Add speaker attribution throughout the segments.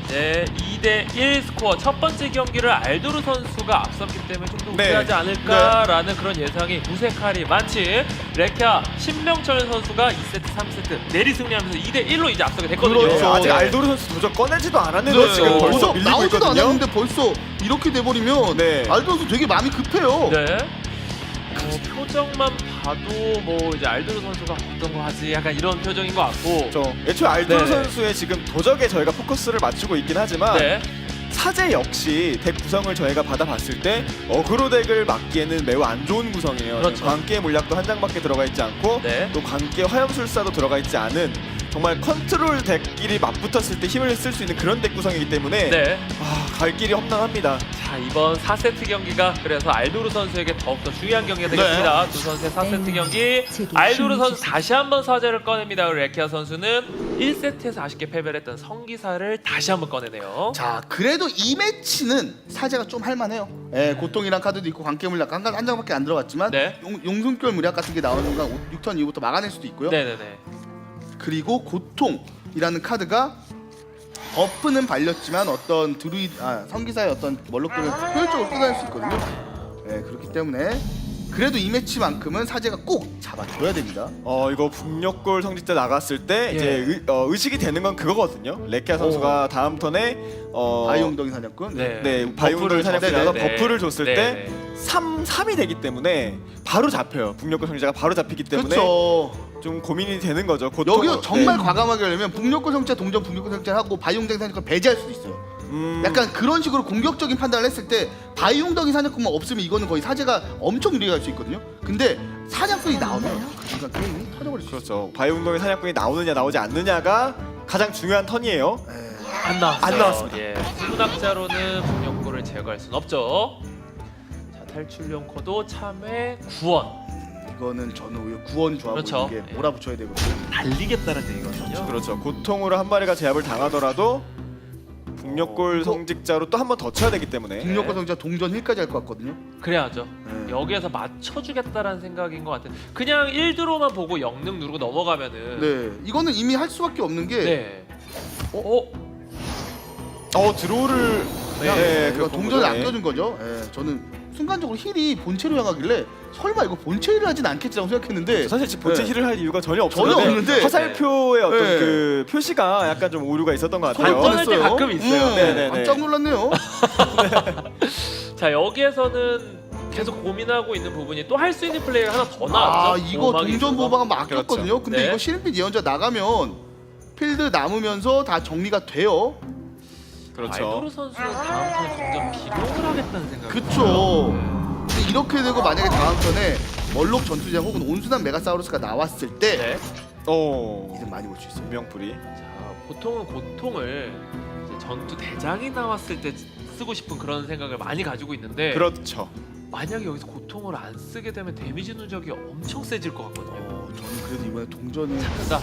Speaker 1: 이제 2대1 스코어 첫 번째 경기를 알도르 선수가 앞섰기 때문에 좀 더
Speaker 2: 네.
Speaker 1: 우세하지 않을까라는 그런 예상이 무색할이 많지. 레키아 신명철 선수가 2세트, 3세트 내리 승리하면서 2대1로 이제 앞서게 됐거든요.
Speaker 3: 그렇죠.
Speaker 2: 아직
Speaker 3: 네.
Speaker 2: 알도르 선수 도적 꺼내지도 않았는데
Speaker 3: 그렇죠.
Speaker 2: 지금 벌써
Speaker 3: 벌써
Speaker 2: 밀리고
Speaker 3: 나오지도
Speaker 2: 있거든요.
Speaker 3: 않았는데 벌써 이렇게 돼버리면
Speaker 2: 네.
Speaker 3: 알도 선수 되게 마음이 급해요.
Speaker 1: 네. 표정만 봐도 뭐 이제 알도르 선수가 어떤 거 하지 약간 이런 표정인 것 같고.
Speaker 2: 애초에 알도르
Speaker 1: 네.
Speaker 2: 선수의 지금 도적에 저희가 포커스를 맞추고 있긴 하지만
Speaker 1: 네.
Speaker 2: 사제 역시 덱 구성을 저희가 받아봤을 때 어그로 덱을 막기에는 매우 안 좋은 구성이에요.
Speaker 1: 그렇죠.
Speaker 2: 지금 광기의 물약도 한 장밖에 들어가 있지 않고
Speaker 1: 네.
Speaker 2: 또 광기의 화염술사도 들어가 있지 않은 정말 컨트롤 덱끼리 맞붙었을 때 힘을 쓸 수 있는 그런 덱 구성이기 때문에
Speaker 1: 네.
Speaker 2: 갈 길이 험난합니다.
Speaker 1: 자, 이번 4세트 경기가 그래서 알도르 선수에게 더욱더 중요한 경기가 되겠습니다. 두 선수의 4세트 경기. 알도르 선수 다시 한번 사제를 꺼냅니다. 레키아 선수는 1세트에서 아쉽게 패배를 했던 성기사를 다시 한번 꺼내네요.
Speaker 3: 자, 그래도 이 매치는 사제가 좀 할만해요. 예, 고통이란 카드도 있고 광깨물약 한 장밖에 안 들어갔지만
Speaker 1: 네.
Speaker 3: 용숨결 물약 같은 게 나오는 건 6턴 이후부터 막아낼 수도 있고요.
Speaker 1: 네네네.
Speaker 3: 그리고 고통이라는 카드가 버프는 발렸지만 어떤 성기사의 어떤 멀록들을 효율적으로 끊어낼 수 있거든요. 예, 그렇기 때문에 그래도 이 매치만큼은 사제가 꼭 잡아줘야 됩니다.
Speaker 2: 이거 북녘골 성직자 나갔을 때
Speaker 1: 예.
Speaker 2: 이제 의식이 되는 건 그거거든요. 레키아 선수가 다음 턴에
Speaker 3: 바이옹덩이 사냥꾼.
Speaker 2: 네, 바이온돌 사냥꾼이 나서
Speaker 1: 네.
Speaker 2: 버프를 줬을
Speaker 1: 네.
Speaker 2: 때 3이 되기 때문에 바로 잡혀요. 북녘골 성직자가 바로 잡히기 때문에
Speaker 3: 그렇죠.
Speaker 2: 좀 고민이 되는 거죠.
Speaker 3: 여기서 정말 과감하게 하려면 북녘골 성자 동전 북녘골 성자 하고 바이옹덩이 사냥꾼 배제할 수도 있어요. 약간 그런 식으로 공격적인 판단을 했을 때 바이옹덩이 사냥꾼만 없으면 이거는 거의 사제가 엄청 유리할 수 있거든요. 근데 사냥꾼이 나오면 그 순간 게임이 터져버릴 수 있어요.
Speaker 2: 그렇죠. 바이온돌 사냥꾼이 나오느냐 나오지 않느냐가 가장 중요한 턴이에요.
Speaker 1: 안 나왔어요.
Speaker 2: 안 나왔습니다.
Speaker 1: 예. 수납자로는 북녘골을 제거할 순 없죠. 자, 탈출용 코도 참외 구원.
Speaker 3: 이거는 저는 오히려 구원 조합으로
Speaker 1: 그렇죠.
Speaker 3: 이게
Speaker 1: 예.
Speaker 3: 몰아붙여야 되거든요.
Speaker 1: 달리겠다는 얘기거든요.
Speaker 2: 그렇죠. 고통으로 한 마리가 제압을 당하더라도 북녘골 성직자로 또 한 번 더 쳐야 되기 때문에
Speaker 3: 북녘골 성자 동전 힐까지 할 것 같거든요.
Speaker 1: 그래야죠.
Speaker 3: 네.
Speaker 1: 여기에서 맞춰주겠다라는 생각인 것 같아요. 그냥 1드로만 보고 영능 누르고 넘어가면은
Speaker 3: 네, 이거는 이미 할 수밖에 없는 게
Speaker 1: 네.
Speaker 2: 드로우를
Speaker 3: 네,
Speaker 2: 그
Speaker 3: 동전을
Speaker 2: 공격에.
Speaker 3: 안겨준 거죠. 예, 저는 순간적으로 힐이 본체로 향하길래 설마 이거 본체 힐을 하진 않겠지라고 생각했는데
Speaker 2: 사실 지금 본체
Speaker 3: 네.
Speaker 2: 힐을 할 이유가 전혀
Speaker 3: 전혀
Speaker 2: 없었는데
Speaker 3: 없는데
Speaker 2: 화살표의 어떤
Speaker 3: 네.
Speaker 2: 그 표시가 약간 좀 오류가 있었던 것
Speaker 1: 할
Speaker 2: 같아요.
Speaker 1: 뻔할 때 가끔 있어요.
Speaker 2: 네네네.
Speaker 3: 깜짝 놀랐네요.
Speaker 1: 자, 여기에서는 계속 고민하고 있는 부분이 또 할 수 있는 플레이가 하나 더 나왔죠.
Speaker 3: 아, 이거
Speaker 1: 보호막이
Speaker 3: 동전
Speaker 1: 있어서.
Speaker 3: 보호막은 막혔거든요.
Speaker 2: 그렇죠.
Speaker 3: 근데
Speaker 1: 네.
Speaker 3: 이거 시린빛 예언자 나가면 필드 남으면서 다 정리가 돼요.
Speaker 2: 그렇죠.
Speaker 1: 알도르 선수는 다음 턴 점점 비룡을 하겠다는 생각.
Speaker 3: 그쵸. 근데 이렇게 되고 만약에 다음 턴에 멀록 전투장 혹은 온순한 메가사우루스가 나왔을 때
Speaker 1: 네.
Speaker 3: 이득 많이 볼 수 있어요.
Speaker 2: 명풀이.
Speaker 1: 자, 보통은 고통을 이제 전투 대장이 나왔을 때 쓰고 싶은 그런 생각을 많이 가지고 있는데
Speaker 2: 그렇죠.
Speaker 1: 만약에 여기서 고통을 안 쓰게 되면 데미지 누적이 엄청 세질 것 같거든요.
Speaker 3: 저는 그래도 이번에 동전을
Speaker 1: 자,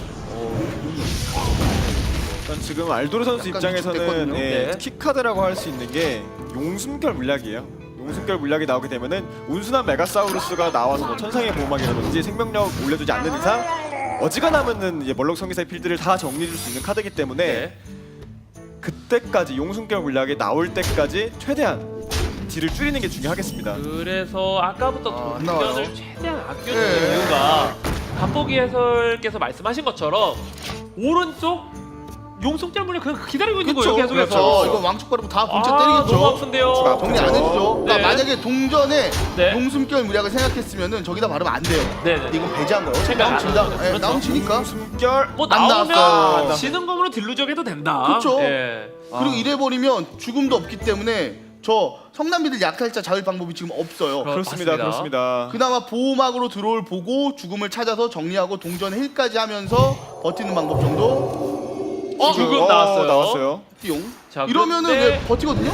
Speaker 2: 일단 지금 알도르 선수
Speaker 3: 약간
Speaker 2: 입장에서는
Speaker 3: 위축됐거든요.
Speaker 1: 네.
Speaker 2: 키카드라고 할 수 있는 게 용숨결 물약이에요. 용숨결 물약이 나오게 되면은 온순한 메가사우루스가 나와서 뭐 천상의 보호막이라든지 생명력 올려주지 않는 이상 어지간하면은 이제 멀록 성기사의 필드를 다 정리해줄 수 있는 카드이기 때문에
Speaker 1: 네.
Speaker 2: 그때까지 용숨결 물약이 나올 때까지 최대한 딜을 줄이는 게 중요하겠습니다.
Speaker 1: 그래서 아까부터
Speaker 3: 안 나와요.
Speaker 1: 동전을 최대한 아껴주는
Speaker 3: 네.
Speaker 1: 이유가 갑보기 해설께서 말씀하신 것처럼 오른쪽 용속절 물량 그냥 기다리고 있는 거예요. 계속해서.
Speaker 3: 그렇죠. 이거 왕축 바르고 다 본체
Speaker 1: 너무
Speaker 3: 때리겠죠.
Speaker 1: 아픈데요.
Speaker 3: 정리 안 해주죠. 그러니까
Speaker 1: 네.
Speaker 3: 만약에 동전에
Speaker 1: 네.
Speaker 3: 용숨결 물약을 생각했으면은 저기다 바르면 안 돼요.
Speaker 1: 네네.
Speaker 3: 근데 이건 배제한 거예요.
Speaker 1: 생각 안
Speaker 3: 나온다.
Speaker 1: 하죠.
Speaker 3: 예,
Speaker 1: 그렇죠.
Speaker 3: 나온지니까.
Speaker 2: 용숨결
Speaker 1: 뭐
Speaker 3: 안
Speaker 1: 나오면
Speaker 3: 나왔어요.
Speaker 1: 지는 검으로 딜루적해도 된다.
Speaker 3: 그쵸.
Speaker 1: 예.
Speaker 3: 그리고 이래버리면 죽음도 없기 때문에 저 성남비들 약탈자 잡을 방법이 지금 없어요.
Speaker 2: 그렇습니다.
Speaker 1: 맞습니다.
Speaker 2: 그렇습니다.
Speaker 3: 그나마 보호막으로 들어올 보고 죽음을 찾아서 정리하고 동전 힐까지 하면서 버티는 방법 정도.
Speaker 1: 죽음 나왔어요.
Speaker 2: 나왔어요.
Speaker 3: 띠용.
Speaker 1: 자,
Speaker 3: 이러면은
Speaker 1: 그런데-
Speaker 3: 왜 버티거든요?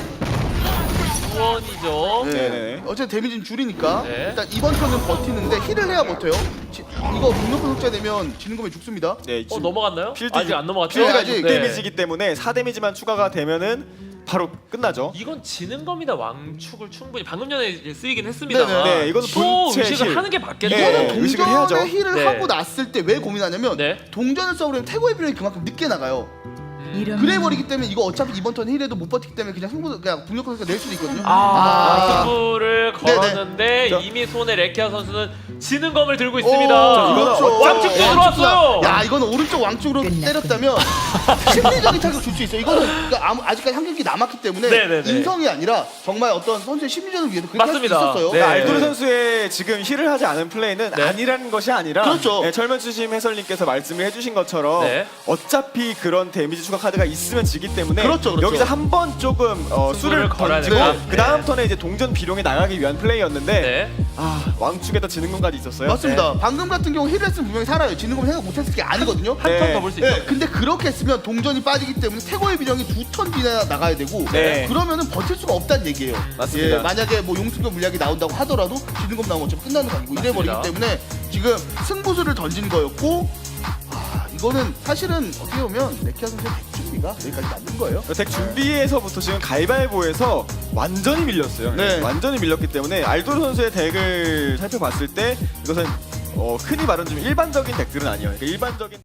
Speaker 1: 구원이죠.
Speaker 2: 네네.
Speaker 3: 어쨌든 데미지는 줄이니까
Speaker 1: 네.
Speaker 3: 일단 이번 턴은 버티는데 힐을 해야 버텨요. 이거 북녘골 속자 되면 지는 거면 죽습니다.
Speaker 2: 네, 지금
Speaker 1: 넘어갔나요?
Speaker 2: 필드
Speaker 1: 아직 안 넘어갔죠?
Speaker 2: 필드가
Speaker 3: 아직.
Speaker 2: 6데미지이기 때문에 4데미지만 추가가 되면은 바로 끝나죠.
Speaker 1: 이건 지는 겁니다. 왕축을 충분히 방금 전에 이제 쓰이긴 했습니다만
Speaker 3: 네네.
Speaker 2: 네, 이거는
Speaker 1: 또
Speaker 2: 본체
Speaker 1: 의식을
Speaker 2: 힐.
Speaker 1: 하는 게 맞겠죠.
Speaker 2: 네,
Speaker 3: 이거는
Speaker 2: 의식을 해야죠.
Speaker 3: 동전에 힐을
Speaker 1: 네.
Speaker 3: 하고 났을 때 왜 고민하냐면
Speaker 1: 네.
Speaker 3: 동전을 써버리면 태고의 비용이 그만큼 늦게 나가요. 그래버리기 때문에 이거 어차피 이번 턴 힐에도 못 버티기 때문에 그냥 북녘 선수가 낼 수도 있거든요.
Speaker 1: 승부를 걸었는데
Speaker 2: 네네.
Speaker 1: 이미 손에 레키아 선수는 지는 검을 들고 있습니다.
Speaker 3: 그렇죠.
Speaker 1: 왕쪽도 들어왔어요.
Speaker 3: 야, 이거는 오른쪽 왕쪽으로 때렸다면 심리적인 타격 줄 수 있어요. 이거는 그러니까 아직까지 한 경기 남았기 때문에
Speaker 1: 네네네.
Speaker 3: 인성이 아니라 정말 어떤 선수의 심리전을 위해서 그렇게
Speaker 1: 맞습니다.
Speaker 3: 할 수 있었어요.
Speaker 1: 네.
Speaker 2: 그러니까 알도르 선수의 지금 힐을 하지 않은 플레이는
Speaker 1: 네.
Speaker 2: 아니라는 것이 아니라
Speaker 3: 그렇죠.
Speaker 2: 철면추심 해설님께서 말씀을 해주신 것처럼
Speaker 1: 네.
Speaker 2: 어차피 그런 데미지 추가 카드가 있으면 지기 때문에
Speaker 3: 그렇죠, 그렇죠.
Speaker 2: 여기서 한 번 조금 수를
Speaker 1: 걸어야
Speaker 2: 던지고
Speaker 1: 된다.
Speaker 2: 그 다음
Speaker 1: 네.
Speaker 2: 턴에 이제 동전 비룡에 나가기 위한 플레이였는데
Speaker 1: 네.
Speaker 2: 왕축에다 지는 것까지 있었어요.
Speaker 3: 맞습니다. 방금 같은 경우 힐을 했으면 분명히 살아요. 지는 건 생각 못했을 게 아니거든요.
Speaker 1: 한 턴
Speaker 2: 네.
Speaker 1: 더 볼 수 있죠.
Speaker 3: 네, 근데 그렇게 했으면 동전이 빠지기 때문에 태고의 비령이 2턴 뒤에 나가야 되고
Speaker 2: 네.
Speaker 3: 그러면은 버틸 수가 없다는 얘기예요.
Speaker 2: 맞습니다.
Speaker 3: 예, 만약에 뭐 용수교 물약이 나온다고 하더라도 지는 것 나오면 어차피 끝나는 거 아니고 이래버리기
Speaker 1: 맞습니다.
Speaker 3: 때문에 지금 승부수를 던진 거였고 이거는 사실은 어떻게 보면 레키아 선수의 백준비가 여기까지 맞는 거예요.
Speaker 2: 덱 준비에서부터 지금 가위바위보에서 완전히 밀렸어요.
Speaker 3: 네.
Speaker 2: 완전히 밀렸기 때문에 알도르 선수의 덱을 살펴봤을 때 이것은 흔히 말하는 좀 일반적인 덱들은 아니에요. 그러니까 일반적인